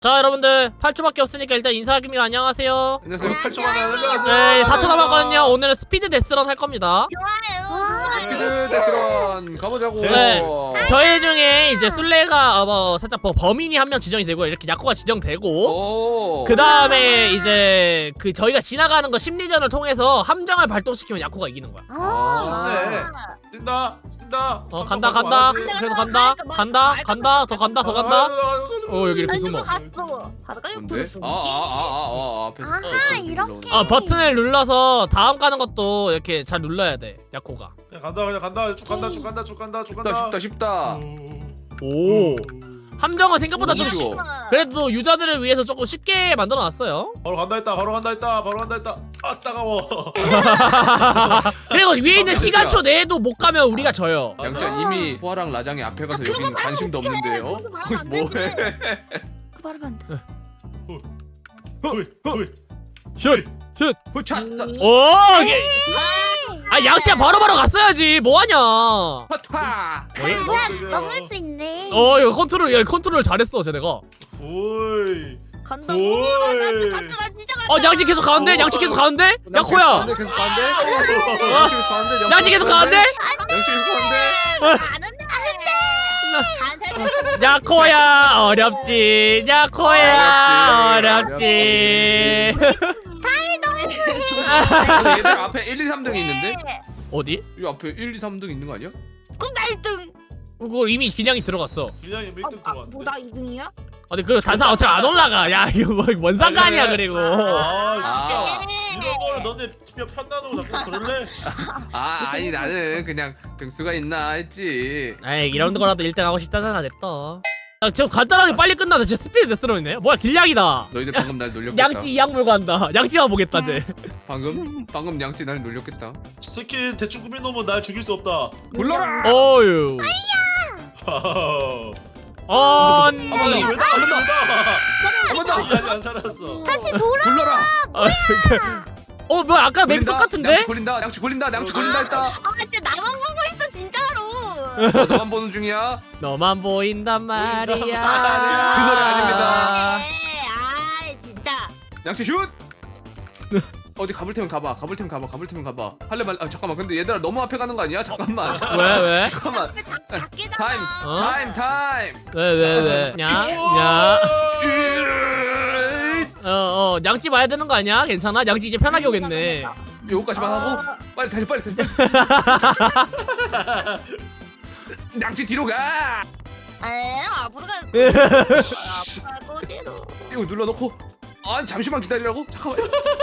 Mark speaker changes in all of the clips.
Speaker 1: 자 여러분들 8초밖에 없으니까 일단 인사하기입니다. 안녕하세요.
Speaker 2: 안녕하세요. 8초 만에 안녕하세요.
Speaker 1: 네 4초 남았거든요. 오늘은 스피드 데스런 할 겁니다.
Speaker 3: 좋아요.
Speaker 2: 스피드 데스런 가보자고.
Speaker 1: 네. 저희 중에 이제 술래가 살짝 범인이 한 명 지정이 되고 이렇게 야코가 지정되고
Speaker 2: 오.
Speaker 1: 그 다음에 이제 그 저희가 지나가는 거 심리전을 통해서 함정을 발동시키면 야코가 이기는 거야.
Speaker 2: 네.
Speaker 3: 뛴다.
Speaker 1: 간다. 그래도 간다 더 간다. 여기 이렇게 숨어.
Speaker 3: 갔어. 바다가
Speaker 2: 뭔데?
Speaker 3: 옆으로 숨어.
Speaker 2: 앞에서.
Speaker 4: 아하, 이렇게.
Speaker 1: 버튼을 눌러서 다음 가는 것도 이렇게 잘 눌러야 돼 야코가.
Speaker 3: 그냥 간다. 쭉 간다.
Speaker 2: 쉽다.
Speaker 1: 오 함정은 생각보다 좀
Speaker 2: 쉬워.
Speaker 1: 그래도 유저들을 위해서 조금 쉽게 만들어놨어요.
Speaker 3: 바로 간다 했다. 아 따가워.
Speaker 1: 그리고 위에 있는 시간초 내에도 못 가면 우리가 져요.
Speaker 2: 양자 이미 포화랑 라장이 앞에 가서 여기는 관심도 없는데요. 거기서 뭐해?
Speaker 4: 그 말하면 안 돼.
Speaker 1: 슛!
Speaker 2: 후차.
Speaker 1: 오! 양치야 바로바로 갔어야지. 뭐하냐?
Speaker 2: 파타.
Speaker 4: 그냥 넘을 수 있네.
Speaker 1: 이거 컨트롤 잘했어 쟤네가.
Speaker 3: 오이.
Speaker 4: 간다.
Speaker 3: 오이.
Speaker 4: 나 진짜 간다.
Speaker 1: 양치 계속 가는데? 양치 계속 가는데? 야코야!
Speaker 2: 계속 가는데? 양치 계속 가는데?
Speaker 1: 양치 계속 가는데?
Speaker 2: 양치 계속 가는데?
Speaker 4: 아는데.
Speaker 1: 야코야 어렵지. 야코야 어렵지.
Speaker 2: 얘들 앞에 1, 2, 3등이 있는데?
Speaker 1: 어디?
Speaker 2: 이 앞에 1, 2, 3등 있는 거 아니야?
Speaker 4: 꿈나 1등.
Speaker 1: 그거 이미 기량이 들어갔어.
Speaker 3: 그냥 1등 들어갔는데.
Speaker 4: 뭐나 2등이야?
Speaker 1: 아니 그리고 단상 어차피 안 올라가. 야 이거 뭔 상관이야 그리고.
Speaker 3: 아
Speaker 2: 아.
Speaker 3: 진짜 이런 거는 너네 편다고 자꾸 그럴래?
Speaker 2: 아니 나는 그냥 등수가 있나 했지.
Speaker 1: 에이 이런 거라도 1등 하고 싶다잖아 냅둬. 저 간단하게 빨리 끝나서 진짜 스피드 데스로이네. 뭐야 길냥이다.
Speaker 2: 너희들 방금 날 놀렸겠다.
Speaker 1: 양치 이악 물고 한다. 양치만 보겠다 쟤.
Speaker 2: 방금 양치 날 놀렸겠다.
Speaker 3: 스킨 대충 꾸민 놈은 날 죽일 수 없다.
Speaker 2: 불러라.
Speaker 1: 어유. 아니.
Speaker 3: 한
Speaker 2: 번 더.
Speaker 3: 아직 안 살았어.
Speaker 4: 다시 돌아.
Speaker 2: 불러라.
Speaker 1: 뭐야 아까 맵 똑같은데?
Speaker 2: 양치 걸린다. 양치 걸린다 했다.
Speaker 4: 아 진짜 나만 보고 있어 진짜로.
Speaker 2: 너만 보는 중이야.
Speaker 1: 너만 보인단 말이야.
Speaker 2: 그 노래 아닙니다.
Speaker 4: 아 진짜.
Speaker 2: 양치 슛. 어디 가볼 테면 가봐. 할래 말래. 잠깐만. 근데 얘들아 너무 앞에 가는 거 아니야? 잠깐만.
Speaker 1: 왜?
Speaker 2: 잠깐만.
Speaker 4: 닭개잖아.
Speaker 2: 타임.
Speaker 1: 왜? 냐? 양치 봐야 되는 거 아니야? 괜찮아? 양치 이제 편하게 오겠네.
Speaker 2: 요거까지만 하고 빨리 달려. 양치 뒤로 가.
Speaker 4: 앞으로 가. 앞으로 거지로.
Speaker 2: 이거 눌러놓고. 아니 잠시만 기다리라고? 잠깐만.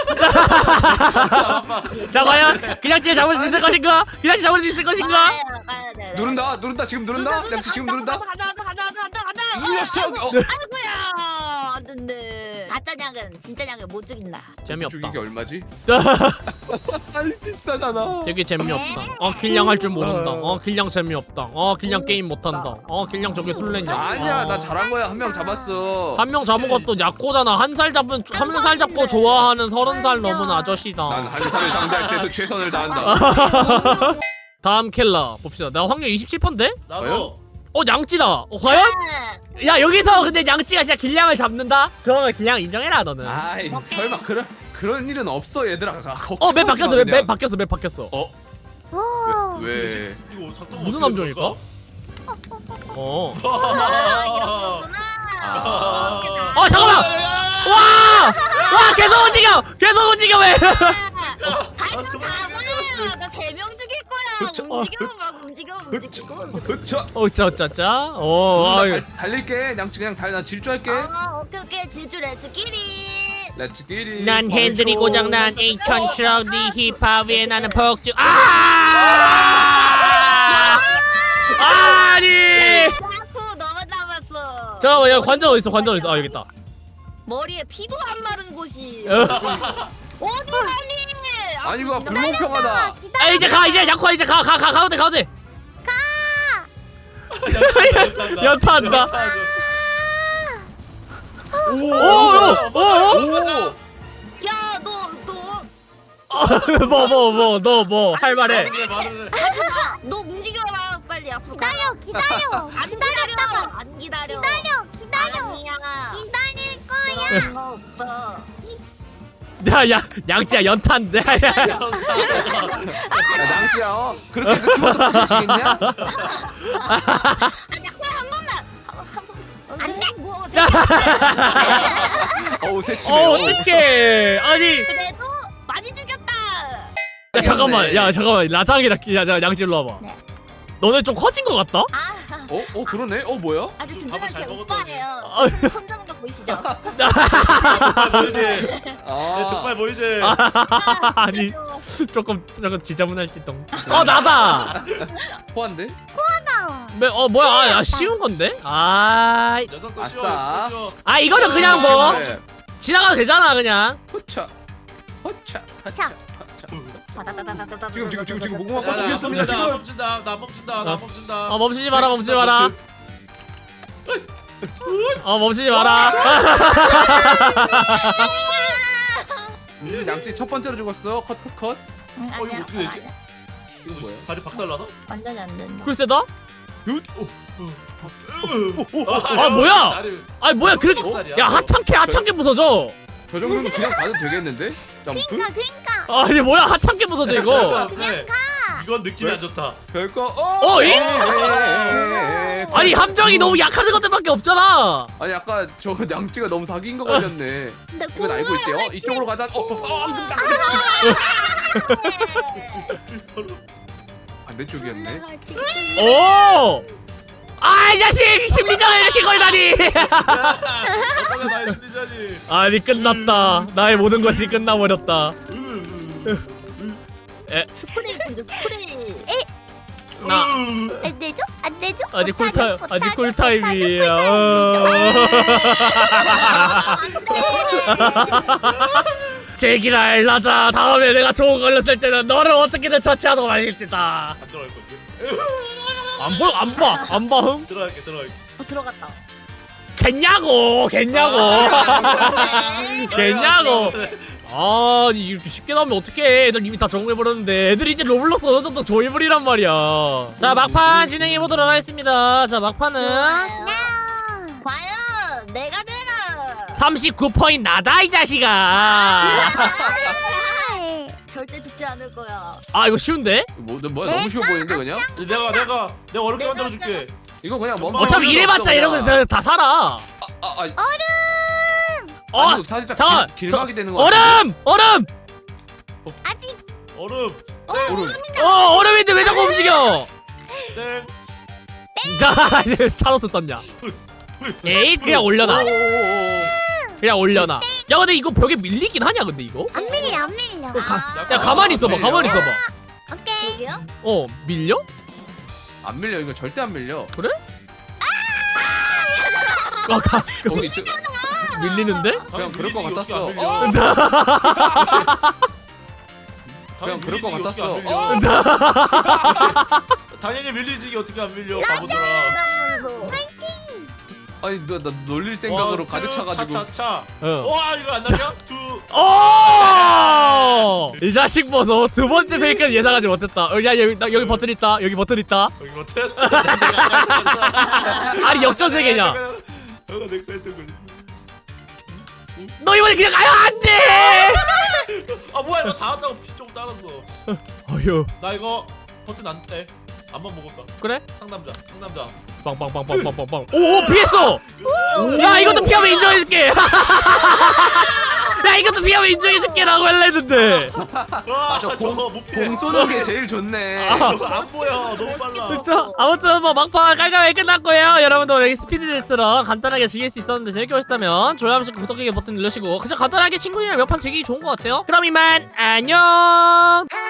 Speaker 1: 자 과연 그 양치를 잡을 수 있을 것인가? 그 양치 잡을 수 있을 것인가?
Speaker 2: 누른다. 지금 누른다. 양치 지금 누른다.
Speaker 4: 간다.
Speaker 2: 이 녀석.
Speaker 4: 아이고야. 안 된대. 가짜 냥은 진짜 냥을 못 죽인다.
Speaker 1: 재미없다.
Speaker 2: 죽이기 얼마지? 아니 비싸잖아.
Speaker 1: 되게 재미없다. 길냥 할 줄 모른다. 길냥 재미없다. 길냥 게임 못한다. 길냥 저게 술래냐?
Speaker 2: 아니야 나 잘한 거야. 한 명 잡았어.
Speaker 1: 한 명 잡은 것도 약코잖아. 한 살 잡고 좋아하는 30살 넘은 아저씨다.
Speaker 2: 난 한 살을 상대할 때도 최선을 다한다.
Speaker 1: 다음 켈라 봅시다. 나 확률 27%인데?
Speaker 3: 나도.
Speaker 1: 양찌다. 과연? 야 여기서 근데 양찌가 진짜 길냥을 잡는다? 그러면 길냥 인정해라 너는.
Speaker 2: 아이 설마 그런 일은 없어 얘들아.
Speaker 1: 맵 바뀌었어. 맵 바뀌었어.
Speaker 4: 오.
Speaker 2: 왜?
Speaker 3: 이거 작동
Speaker 1: 무슨
Speaker 3: 어떻게
Speaker 1: 함정일까?
Speaker 3: 될까?
Speaker 1: 잠깐만. 와 계속 움직여 왜?
Speaker 4: 나 3명 죽일 거야. 움직여.
Speaker 2: 그쵸.
Speaker 1: 짜짜.
Speaker 2: 달릴게. 양치 그냥 나 질주할게.
Speaker 4: 오케이. 질주 렛츠끼리.
Speaker 2: 렛츠끼리.
Speaker 1: 난 핸들이 고장난 2000 트럭 네 힙합 위에 나는 폭주. 아니.
Speaker 4: 야쿠 너만 남았어.
Speaker 1: 잠깐만 야 관전 어딨어? 여기 있다.
Speaker 4: 머리에 피도 안 마른 곳이 어디 가니?
Speaker 2: 아니 이거 불공평하다.
Speaker 1: 이제 가 가운데. 연타한다.
Speaker 2: 오.
Speaker 4: 야,
Speaker 1: 너 뭐 할 말해?
Speaker 4: 너 움직여라 빨리 앞으로.
Speaker 5: 기다려.
Speaker 4: 안 기다려.
Speaker 5: 기다려.
Speaker 4: 아니야.
Speaker 5: 기다리는
Speaker 4: 거 없어.
Speaker 1: 야 양찌야 연탄. 야, 야.
Speaker 2: 야 낭지야 그렇게 해서 키워드 붙여지겠냐?
Speaker 4: 아니야 그냥 한 번만. 안 돼. 뭐 어때?
Speaker 2: 어우 새침해.
Speaker 1: 어떡해. 아니
Speaker 4: 그래도 많이 죽였다.
Speaker 1: 야 잠깐만 라장이랑 양찌 일로 와봐.
Speaker 4: 네.
Speaker 1: 너네 좀 커진 것 같다?
Speaker 4: 아
Speaker 2: 그러네. 뭐야?
Speaker 4: 아주
Speaker 3: 밥을
Speaker 4: 든든한
Speaker 3: 잘
Speaker 4: 게
Speaker 3: 먹었더니.
Speaker 4: 오빠예요. 손 잡은 거 보이시죠?
Speaker 3: 족발 보이지? 내
Speaker 2: 아,
Speaker 3: 족발 보이지?
Speaker 1: 아니 조금 지저분할지동. 나다.
Speaker 2: 포한데?
Speaker 1: 뭐야 쉬운 건데?
Speaker 3: 녀석도
Speaker 2: 아싸.
Speaker 3: 쉬워. 녀석도 쉬워.
Speaker 1: 이거는 그냥 뭐
Speaker 2: 네.
Speaker 1: 지나가도 되잖아 그냥.
Speaker 2: 허차, 허차,
Speaker 4: 자.
Speaker 2: 허차. 지금 무궁화
Speaker 3: 야,
Speaker 2: 꽃
Speaker 3: 나
Speaker 2: 피었습니다.
Speaker 3: 멈춘다.
Speaker 2: 지금.
Speaker 3: 멈춘다. 나 멈춘다. 나 멈춘다.
Speaker 1: 멈추지 마라 멈추지 마라.
Speaker 2: 양치 첫 번째로 죽었어. 컷.
Speaker 3: 이거 어떻게 되지?
Speaker 2: 이건 뭐야?
Speaker 3: 발이 박살나나?
Speaker 4: 완전히 안 된다.
Speaker 1: 글쎄다.
Speaker 3: 아
Speaker 1: 뭐야? 뭐야 야 하찮게 부서져.
Speaker 2: 저 정도는 그냥 가도 되겠는데? 점프?
Speaker 4: 그러니까.
Speaker 1: 아니 뭐야 하찮게 부서져 이거.
Speaker 3: 그냥 가. 이건 느낌이 안 좋다.
Speaker 2: 별거
Speaker 1: 아니 함정이 너무 약한 것들밖에 없잖아.
Speaker 2: 아니 아까 저 양치가 너무 사기인 거 걸렸네.
Speaker 4: 근데
Speaker 2: 이건 알고 있지? 이쪽으로 가자. 반대쪽이었네.
Speaker 1: 오. 이 자식 심리전을 이렇게 걸다니.
Speaker 3: 어쩌면 나의 심리전이.
Speaker 1: 아니 끝났다. 나의 모든 것이 끝나버렸다.
Speaker 4: 스프레이죠 스프레이.
Speaker 1: 나
Speaker 4: 안 되죠? 안 되죠?
Speaker 1: 아직 쿨타임이야. 제기랄 라자. 다음에 내가 좋은 걸렸을 때는 너를 어떻게든 처치하도록 말겠다.
Speaker 3: 안 들어갈 건데.
Speaker 1: 안 봐. 흥?
Speaker 3: 들어갈게.
Speaker 4: 들어갔다.
Speaker 1: 겠냐고.
Speaker 4: 네.
Speaker 1: 겠냐고. 이렇게 쉽게 나오면 어떡해. 애들 이미 다 적응해버렸는데. 애들이 이제 로블록스 어느 정도 조이블이란 말이야. 자 막판 진행해보도록 하겠습니다. 자 막판은
Speaker 4: 과연 내가 되나?
Speaker 1: 39포인트 나다 이 자식아.
Speaker 4: 절대 죽지 않을 거야.
Speaker 1: 이거 쉬운데?
Speaker 2: 뭐야 너무 쉬워 보이는데 그냥?
Speaker 3: 내가 어렵게 만들어줄게.
Speaker 2: 이거 그냥 뭐
Speaker 1: 어차피 이래봤자 이런 거 다 살아.
Speaker 2: 아니, 살짝
Speaker 1: 잠깐
Speaker 2: 길막이 되는 거 같은데?
Speaker 1: 얼음.
Speaker 4: 아직
Speaker 3: 얼음.
Speaker 1: 얼음인데 왜 자꾸 움직여?
Speaker 3: 땡.
Speaker 1: 나 이제 타노스 떴냐? 에이 그냥 올려놔. 그냥 올려놔. 야 근데 이거 벽에 밀리긴 하냐 근데 이거?
Speaker 4: 안 밀려.
Speaker 1: 야 가만히 있어봐.
Speaker 4: 오케이. 여기요?
Speaker 1: 밀려?
Speaker 2: 안 밀려. 이거 절대 안 밀려.
Speaker 1: 그래?
Speaker 2: 거기 있어.
Speaker 1: 밀리는데?
Speaker 2: 그냥 그럴 것 같았어. 그냥 그럴 것 같았어.
Speaker 3: 당연히 밀리지. 어떻게 안 밀려? 바보들아.
Speaker 2: 아니 나 놀릴 생각으로 가득 차가지고.
Speaker 3: 차차차.
Speaker 1: 어.
Speaker 3: 와 이거 안 나냐?
Speaker 1: 이 자식 보소. 두 번째 페이크는 예상하지 못했다. 야 여기 버튼 있다. 여기 못해. 아니 역전 세계냐?
Speaker 3: 내가 했던 거지.
Speaker 1: 너 이번에 그냥 가요 안돼.
Speaker 3: 뭐야 이거 다 왔다고 피 좀 따랐어.
Speaker 1: 어휴.
Speaker 3: 나 이거 버튼 안 떼. 안만 먹었다.
Speaker 1: 그래?
Speaker 3: 상남자.
Speaker 1: 빵빵빵빵빵빵빵. 오 피했어. 야 이것도 피하면 인정해줄게. 야 이것도 피하면 인정해줄게라고 할라 했는데.
Speaker 3: 와 저거 못 피해.
Speaker 2: 공 쏘는 게 제일 좋네.
Speaker 3: 저거 안 보여. 너무 빨라.
Speaker 1: 진짜 아무튼 뭐 막판 깔끔하게 끝났고요. 여러분들 오늘 스피드레스랑 간단하게 즐길 수 있었는데 재밌게 보셨다면 좋아요 한 번씩 구독하기 버튼 눌러주시고 그냥 간단하게 친구들이랑 몇 판 즐기기 좋은 것 같아요. 그럼 이만 안녕.